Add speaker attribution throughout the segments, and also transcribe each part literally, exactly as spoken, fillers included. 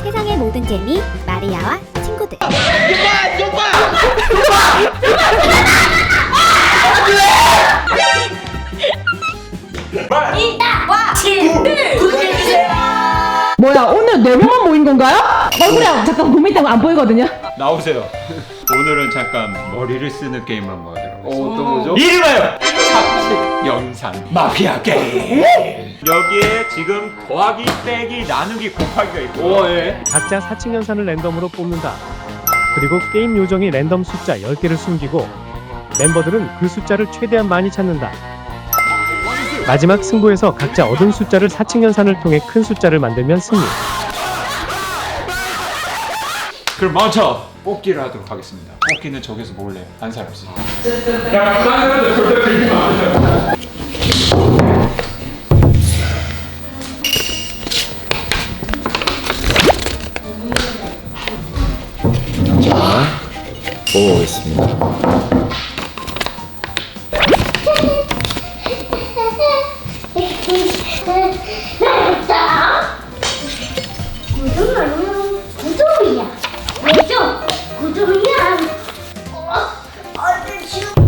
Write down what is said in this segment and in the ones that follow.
Speaker 1: 세상의 모든 재미 마리아와 친구들.
Speaker 2: 용마! 용마! 용마!
Speaker 3: 이와 친구들 구독해주세요.
Speaker 4: 뭐야, 오늘 네 명만 모인 건가요? 얼굴이 잠깐 고민 때문에 안 보이거든요.
Speaker 5: 나오세요. 오늘은 잠깐 머리를 쓰는 게임 한번 하도록
Speaker 2: 어, 어떤 거죠?
Speaker 5: 이름하여 착식 영상 마피아 게임. 여기에 지금 더하기, 빼기, 나누기, 곱하기가 있고.
Speaker 2: 오, 예.
Speaker 6: 각자 사칭 연산을 랜덤으로 뽑는다. 그리고 게임 요정이 랜덤 숫자 열 개를 숨기고 멤버들은 그 숫자를 최대한 많이 찾는다. 마지막 승부에서 각자 얻은 숫자를 사칭 연산을 통해 큰 숫자를 만들면 승리.
Speaker 5: 그럼 먼저 뽑기를 하도록 하겠습니다. 뽑기는 저기서 몰래 한 사람씩. 야, 딴 절대 들리지 마.
Speaker 2: 뽑아보겠습니다.
Speaker 3: 구독은 구독이야. 왜죠? 구독이야. 어, 어디 지금?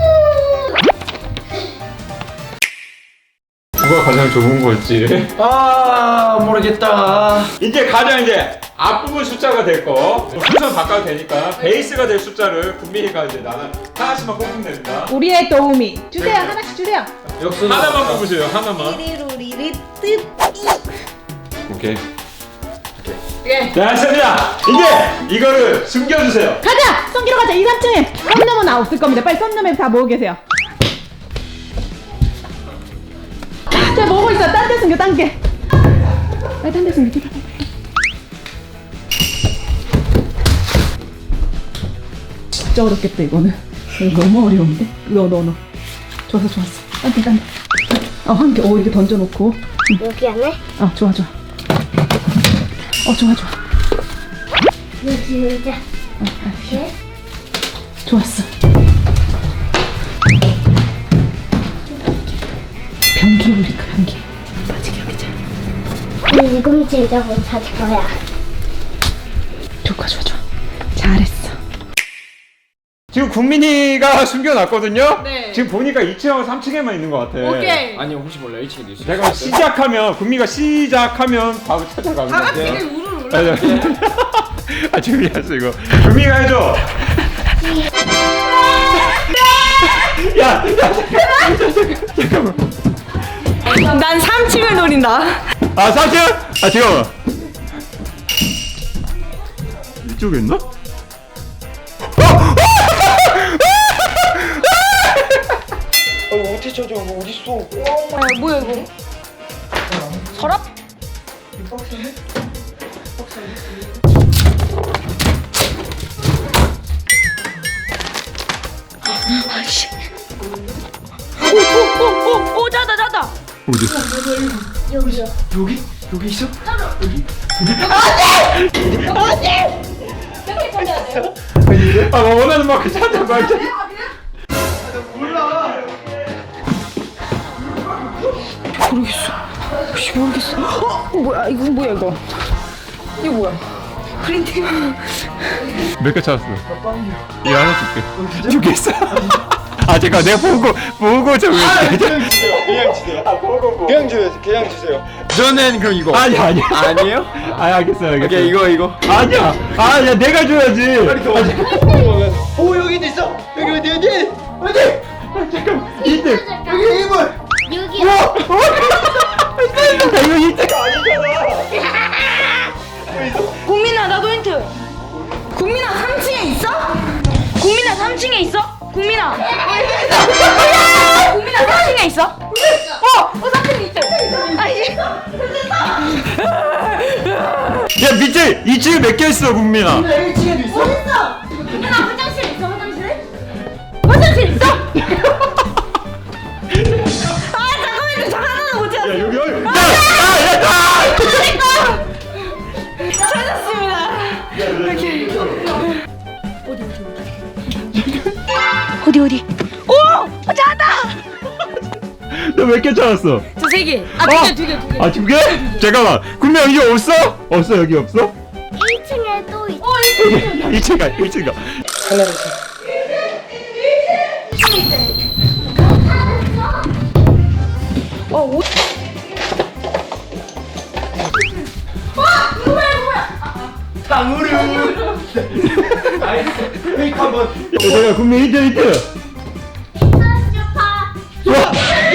Speaker 5: 누가 가장 좋은 걸지.
Speaker 2: 아, 모르겠다.
Speaker 5: 이제 가장 이제 앞부분 숫자가 될 거. 순서 바꿔도 되니까 베이스가 될 숫자를 국민이가 이제 나는 하나씩만 뽑으면 됩니다.
Speaker 4: 우리의 도우미 주세요. 하나씩 주세요.
Speaker 2: 역순
Speaker 5: 하나만 뽑으세요. 하나만.
Speaker 4: 리리루리리 뜻.
Speaker 5: 오케이. 오케이. 네, 알겠습니다. 이제 이거를 숨겨주세요.
Speaker 4: 가자. 성기로 가자. 이, 삼 층에 썸녀만 나 없을 겁니다. 빨리 썸녀맨 다 모으고 계세요. 자, 모으고 있어. 딴 데 숨겨. 딴 게. 빨리 딴 데 숨겨. 빨리, 빨리. 진짜 어렵겠다 이거는. 이거 너무 어려운데. 넣어 넣어 넣어. 좋았어 좋았어. 딴 데 딴 데. 어, 한 개. 오, 이렇게 던져놓고.
Speaker 3: 여기 안에?
Speaker 4: 어, 좋아 좋아. 어, 좋아 좋아.
Speaker 3: 여기 의자.
Speaker 4: 어, 아,
Speaker 3: 예?
Speaker 4: 좋았어. 변기 우리가 변기. 빠지게 여기자.
Speaker 3: 이건 진짜 못 찾을 거야.
Speaker 4: 좋아 좋아 좋아. 잘했어.
Speaker 5: 지금 국민이가 숨겨놨거든요.
Speaker 4: 네.
Speaker 5: 지금 보니까 이 층하고 삼 층에만 있는 것 같아.
Speaker 4: 오케이.
Speaker 2: 아니, 혹시 몰라. 일 층에도 있을 수
Speaker 5: 내가
Speaker 2: 있어요.
Speaker 5: 시작하면 국민이가 시작하면 바로 찾아가면
Speaker 4: 다 같이
Speaker 5: 돼.
Speaker 4: 우르르
Speaker 5: 아,
Speaker 4: 올라.
Speaker 5: 아, 준비했어 이거. 국민이가 해줘. 야, 야, 잠깐, 잠깐만.
Speaker 4: 난 삼 층을 노린다.
Speaker 5: 아, 삼 층? 아, 지금 이쪽에 있나?
Speaker 2: 어, 어떻게 찾아? 이거 어딨어?
Speaker 4: 아, 뭐야 이거? 서랍? 오오오오 자다 자다.
Speaker 5: 어디?
Speaker 3: 여기요.
Speaker 2: 여기? 여기 있어?
Speaker 5: 아, 뭐 원하는 만큼 찾아 말자.
Speaker 4: 혹시 모르겠어. 어? 뭐야 이거 뭐야 이거? 이거 뭐야? 프린팅.
Speaker 5: 몇 개 찾았어? 이거 하나 줄게. 두 개 있어. 아, 잠깐 내가 보고 보고 좀.
Speaker 2: 그냥 주세요. 그냥 주세요.
Speaker 5: 아, 보고 보고.
Speaker 2: 그냥 주세요. 그냥 주세요. 저는 그럼 이거.
Speaker 5: 아니 아니.
Speaker 2: 아니에요?
Speaker 5: 아, 알겠어 알겠어.
Speaker 2: 오케이, 이거 이거.
Speaker 5: 아니야. 아, 야 내가 줘야지.
Speaker 2: 빨리 더. 오, 여기도 있어. 여기 어디 어디? 어디?
Speaker 5: 아, 잠깐. 이때.
Speaker 2: 여기 일 번.
Speaker 3: 여기요.
Speaker 5: 야, 이거 이때가 아니잖아.
Speaker 7: 국민아 나도 힌트. 국민아 삼 층에 있어? 국민아 삼 층에 있어? 국민아. 국민아 삼 층에 있어? 어, 어 삼 층에 있대. 아니.
Speaker 5: 야, 밑에 이 층에 몇 개 있어, 국민아?
Speaker 2: 일 층에도 있어?
Speaker 7: 국민아 화장실 있어 화장실? 화장실 있어? 아 잠깐만요 저 하나는 못 찾았어.
Speaker 5: 야, 여기 여기. 야, 야, 야,
Speaker 7: 찾았습니다. 어디 어디? 오! 찾았다!
Speaker 5: 너 몇 개 찾았어?
Speaker 7: 저 세 개. 아, 두 개, 두 개, 두 개.
Speaker 5: 아, 두 개? 잠깐만. 군명 여기 없어? 없어, 여기 없어?
Speaker 3: 일 층에 또 있어.
Speaker 5: 일 층 가, 일 층 가.
Speaker 2: 탕후루. 알겠어. 페이크 한번.
Speaker 5: 야, 잠깐, 군명 힌트, 힌트.
Speaker 3: 슈파.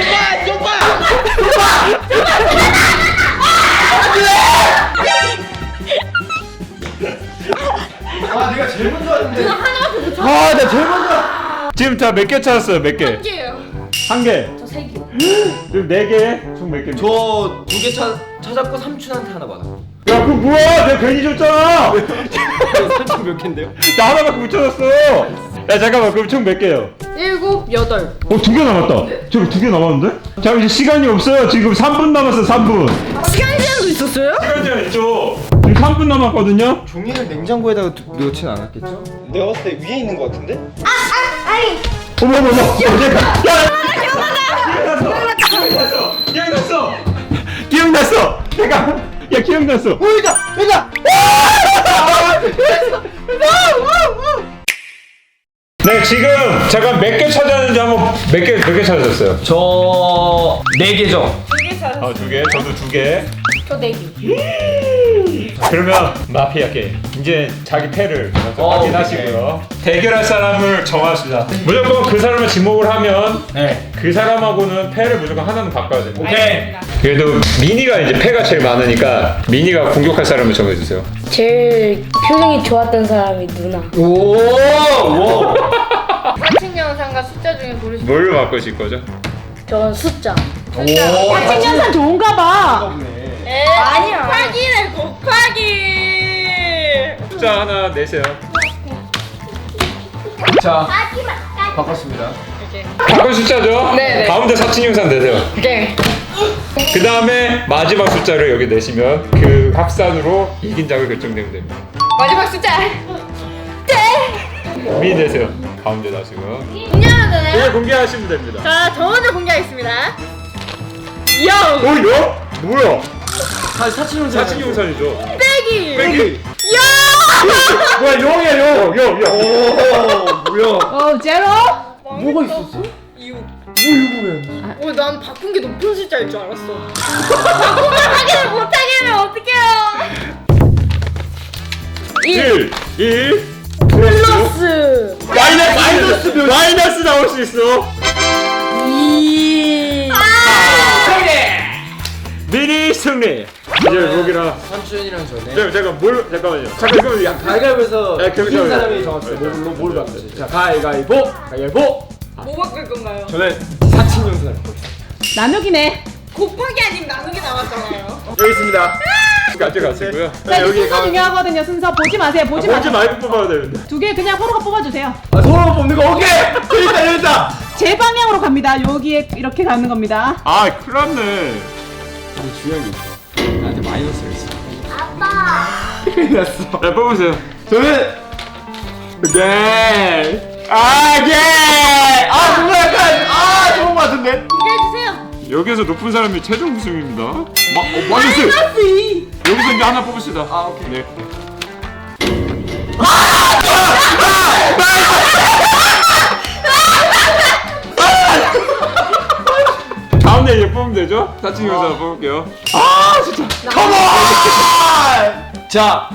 Speaker 2: 아 내가 제일 먼저 왔는데.
Speaker 5: 아, 나 제일 먼저. 지금 다 몇 개 찾았어요, 몇 개?
Speaker 7: 한 개예요.
Speaker 5: 한 개.
Speaker 7: 저 세 개.
Speaker 5: 지금 네 개? 총 몇 개?
Speaker 2: 저 두 개 찾았고 삼촌한테 하나 받아.
Speaker 5: 야, 그거 뭐야? 내가 괜히 줬잖아!
Speaker 2: 삼촌 몇 개인데요?
Speaker 5: 나 하나밖에 못 찾았어! 야, 잠깐만, 그럼 총 몇 개요?
Speaker 7: 일곱, 여덟.
Speaker 5: 어, 두 개 남았다. 저기 두 개 남았는데? 자, 이제 시간이 없어요. 지금 삼 분 남았어, 삼 분.
Speaker 7: 시간 제한도 있었어요?
Speaker 5: 시간 제한 있죠? 지금 삼 분 남았거든요?
Speaker 2: 종이를 냉장고에다가 두- 넣진 않았겠죠? 내가 봤을 때 위에 있는 거 같은데?
Speaker 3: 아니.
Speaker 5: 어머, 어머, 어머. 야, 야! 기억났어! 기억났어! 기억났어! 기억났어! 잠깐! 야, 기억났어!
Speaker 2: 오 여기다! 여기다!
Speaker 5: 네, 지금 잠깐 몇 개 찾았는지 한번 몇 개, 몇 개 찾았어요?
Speaker 2: 저... 네 개죠?
Speaker 5: 아, 두 개? 저도 두 개.
Speaker 7: 저 네 개.
Speaker 5: 그러면 마피아 게임. 이제 자기 패를
Speaker 2: 어,
Speaker 5: 확인하시고요. 대결할 사람을 정합시다. 무조건 그 사람을 지목을 하면
Speaker 2: 네.
Speaker 5: 그 사람하고는 패를 무조건 하나는 바꿔야 됩니다.
Speaker 2: 오케이.
Speaker 5: 그래도 미니가 이제 패가 제일 많으니까 미니가 공격할 사람을 정해주세요.
Speaker 7: 제일 표정이 좋았던 사람이 누나.
Speaker 2: 오! 오!
Speaker 7: 사칭 영상과 숫자 중에 고르시.
Speaker 5: 뭘로 바꾸실 거죠?
Speaker 7: 저는 숫자.
Speaker 2: 오!
Speaker 4: 생년산 좋은가 봐.
Speaker 7: 에 아니야. 곱하기네 곱하기.
Speaker 5: 숫자 하나 내세요.
Speaker 2: 자,
Speaker 3: 마지막.
Speaker 2: 바꿨습니다.
Speaker 5: 바꾼 숫자죠?
Speaker 7: 네네.
Speaker 5: 가운데 사칭 영상 내세요.
Speaker 7: 오케이.
Speaker 5: 그 다음에 마지막 숫자를 여기 내시면 그 합산으로 이긴 자가 결정되면 됩니다.
Speaker 7: 마지막 숫자.
Speaker 5: 미니 내세요. 가운데 놔시고요.
Speaker 7: 공개하면 되나요?
Speaker 5: 이제 공개하시면 됩니다.
Speaker 7: 자, 저 먼저 공개하겠습니다. 영.
Speaker 5: 어, 요? 뭐야?
Speaker 2: 사, 사칭 영상.
Speaker 5: 사칭 영상이죠.
Speaker 7: 빼기.
Speaker 5: 빼기.
Speaker 7: 영.
Speaker 5: 뭐야, 영이야, 영, 영, 영.
Speaker 2: 오, 뭐야?
Speaker 4: 어, 제로?
Speaker 2: 뭐가 있었어?
Speaker 7: 이유.
Speaker 2: 뭐 이거면?
Speaker 7: 어, 난 바꾼 게 높은 숫자일 줄 알았어. 바꾸면 확인을 못하게 하면 어떡해요?
Speaker 5: 일, 일.
Speaker 7: 플러스.
Speaker 5: 마이너스,
Speaker 2: 마이너스 몇?
Speaker 5: 마이너스 나올 수 있어.
Speaker 7: 이.
Speaker 5: 미니 승리. 이제 여기랑.
Speaker 2: 삼촌이랑 저네.
Speaker 5: 잠깐, 잠깐, 뭘, 잠깐만요. 잠깐, 그럼 야,
Speaker 2: 가위바위보에서
Speaker 5: 야, 그럼
Speaker 2: 이긴
Speaker 5: 저-
Speaker 2: 사람이 정했어요. 뭘로 뭘 바꾸지? 자, 가위바위보. 가위바위보.
Speaker 7: 뭐 바꿀 건가요?
Speaker 2: 저는 사칭 영상을 바꾸겠습니다.
Speaker 4: 나누기네.
Speaker 7: 곱하기 아닌 나누기 나왔잖아요.
Speaker 2: 여기 있습니다.
Speaker 5: 가져가시고요.
Speaker 4: 자, 이제
Speaker 2: 여기
Speaker 4: 순서
Speaker 2: 가-
Speaker 4: 중요하거든요. 순서 보지 마세요. 보지
Speaker 5: 뭔지
Speaker 4: 마세요.
Speaker 5: 말고 뽑아야 되는데.
Speaker 4: 두 개 그냥 호로가 뽑아주세요.
Speaker 2: 아, 서로 뽑는 거 오케이. 여기 있다, 여기 있다.
Speaker 4: 제 방향으로 갑니다. 여기에 이렇게 가는 겁니다.
Speaker 5: 아, 큰일 났네.
Speaker 2: 근데 중요한 게 있어. 나한테 마이너스가 있어.
Speaker 3: 아빠.
Speaker 2: 큰일 났어.
Speaker 5: 자, 뽑으세요.
Speaker 2: 저는 네. 아, 예. 아, 뭔가 약간 아, 좋은 거 같은데.
Speaker 7: 공개해주세요.
Speaker 5: 여기에서 높은 사람이 최종 우승입니다. 마, 어, 마이너스!
Speaker 4: 이.
Speaker 5: 여기서 이제 하나 뽑읍시다.
Speaker 2: 아, 오케이.
Speaker 5: 네. 가운데 이제 뽑으면 되죠? 사칭 영상 뽑을게요. 아, 진짜.
Speaker 2: 컴온! 자.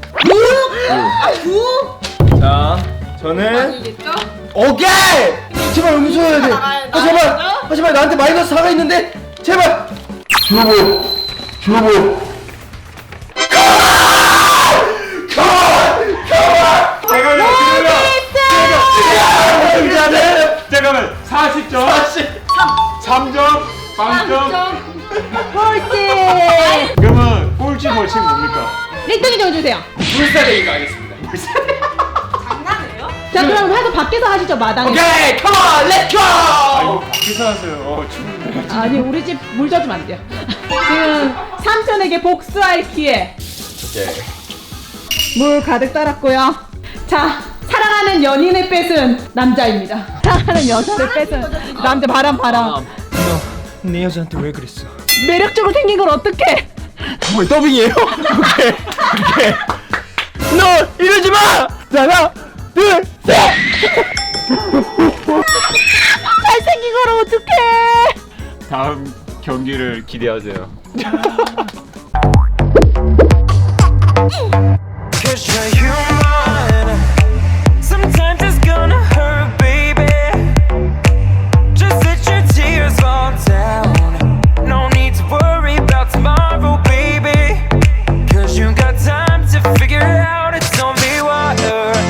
Speaker 2: 자, 저는
Speaker 7: 이겠죠?
Speaker 2: 오케이! 제발 음수해야 돼.
Speaker 7: 나가야
Speaker 2: 아, 제발. 아, 제발 나한테 마이너스 사가 있는데. 제발. 주보. 주보.
Speaker 5: 잠깐만요,
Speaker 2: 승자는
Speaker 5: 잠깐만, 사십 점, 삼 점, 영 점.
Speaker 4: 꼴찌.
Speaker 5: 그러면 꼴찌 벌칙 뭡니까?
Speaker 4: 일 등이 정해주세요.
Speaker 2: 불사대기가 하겠습니다.
Speaker 7: 장난해요?
Speaker 4: 자, 그럼 해서 밖에서 하시죠. 마당에.
Speaker 2: 오케이, 컴온, 렛츠고!
Speaker 5: 아이고, 밖에서 하세요. 어, 추운데.
Speaker 4: 아니, 우리 집 물 젖으면 안 돼요. 지금 삼촌에게 복수할 기회.
Speaker 2: 오케이.
Speaker 4: 물 가득 따랐고요. 자, 사랑하는 연인을 뺏은 남자입니다. 사랑하는 여자를 뺏은 남자. 바람 바람.
Speaker 2: 내 여자한테 왜 그랬어?
Speaker 4: 매력적으로 생긴 걸 어떡해?
Speaker 2: 뭐 더빙이에요? 오케이 오케이 너 이러지 마! 자, 하나 둘셋
Speaker 4: 잘생긴 걸 어떡해?
Speaker 5: 다음 경기를 기대하세요.
Speaker 8: Cause you're human.